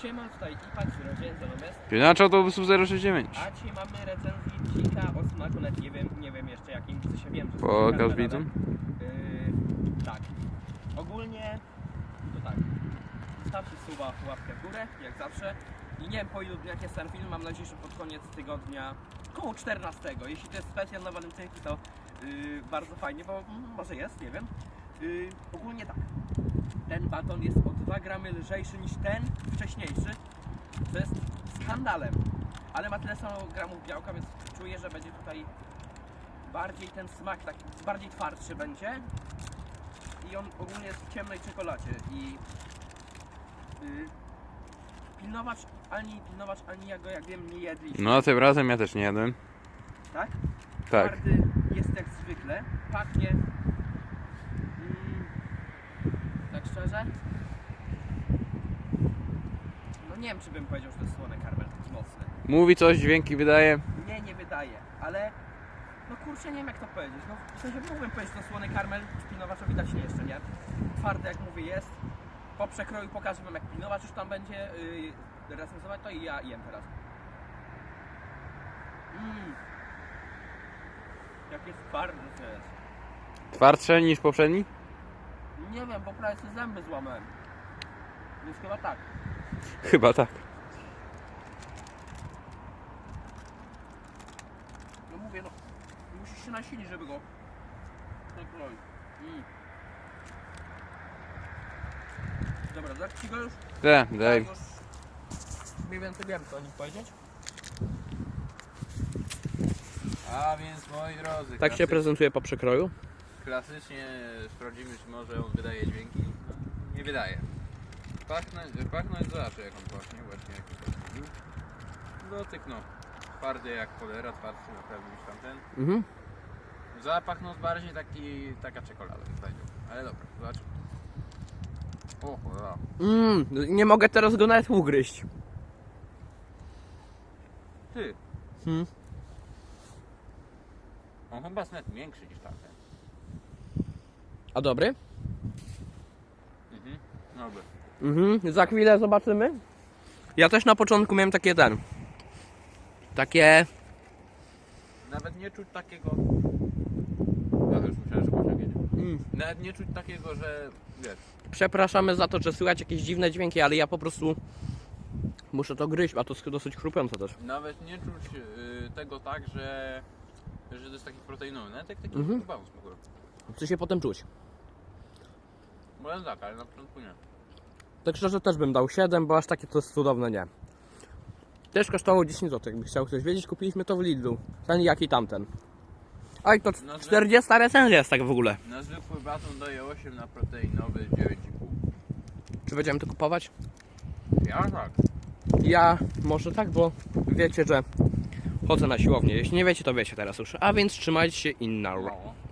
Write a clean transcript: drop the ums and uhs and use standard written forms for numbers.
Siema, tutaj IPA, Rodzień, Zalomest. Pinacz autobusów 069. A dzisiaj mamy recenzję dzika o smaku, nawet nie wiem jeszcze jakim, w sensie wiem, że Pokaż widzom. Tak. Ogólnie to tak. Zostawcie suba, łapkę w górę, jak zawsze. I nie wiem po ilu dniach jest ten film, mam nadzieję, że pod koniec tygodnia, koło 14. Jeśli to jest specjal na walentynki, to bardzo fajnie, bo może jest, nie wiem. Ogólnie tak. Ten baton jest o 2 gramy lżejszy niż ten wcześniejszy. To jest skandalem. Ale ma tyle samo gramów białka, więc czuję, że będzie tutaj bardziej ten smak, tak bardziej twardszy będzie. I on ogólnie jest w ciemnej czekoladzie. I pilnować ani ja go, jak wiem, nie jedliśmy. No tym razem ja też nie jadłem. Tak? Tak. Twardy jest jak zwykle. Pachnie. Tak szczerze? No nie wiem, czy bym powiedział, że to jest słony karmel taki mocny. Mówi coś, dźwięki wydaje. Nie wydaje, ale no kurczę, nie wiem jak to powiedzieć. No w sensie mógłbym powiedzieć, że to słony karmel, pilnowacza widać nie jeszcze, nie? Twardy jak mówię jest. Po przekroju pokażę wam, jak pilnowacz już tam będzie recenzować, to i ja jem teraz. Jak jest twardy to jest. Twardsze niż poprzedni? Nie wiem, bo prawie sobie zęby złamałem. Więc chyba tak. Chyba tak. No mówię, no musisz się nasilić, żeby go nakroić. Dobra, tak ci go już? Daj. Już mniej więcej wiem, co o nim powiedzieć. A więc moi drodzy, Tak się prezentuje po przekroju. klasycznie sprawdzimy, czy może on wydaje dźwięki. No, nie wydaje. Pachnąć zobaczę, jak on pachnie, właśnie jak to powiedział. Dotyk no, twardy jak cholera, twardszy naprawdę niż tamten. Zapach no bardziej taka czekolada bym powiedział. Ale dobra, zobaczymy. O cholera. Nie mogę teraz go nawet ugryźć. Ty. On chyba jest nawet większy niż tamten. A dobry? Dobry. Za chwilę zobaczymy. Ja też na początku miałem takie... Nawet nie czuć takiego... Ja już myślałem, że Bosia wiedzie. Nawet nie czuć takiego, że wiesz... Przepraszamy za to, że słychać jakieś dziwne dźwięki, ale ja po prostu muszę to gryźć, a to jest dosyć chrupiące też. Nawet nie czuć tego tak, że to jest taki proteinowy. Nawet jak taki chyba smakuje. Chce się potem czuć. Bo jest tak, ale na początku nie. Tak szczerze też bym dał 7, bo aż takie to jest cudowne nie. Też kosztowało 10 zł, jakby chciał ktoś wiedzieć, kupiliśmy to w Lidlu. Ten jak i tamten. A i to 40 recenzja jest tak w ogóle. Na zwykły baton daje 8, na proteinowy 9,5. Czy będziemy to kupować? Ja tak. Ja może tak, bo wiecie, że chodzę na siłownię. Jeśli nie wiecie, to wiecie teraz już. A więc trzymajcie się i na. No.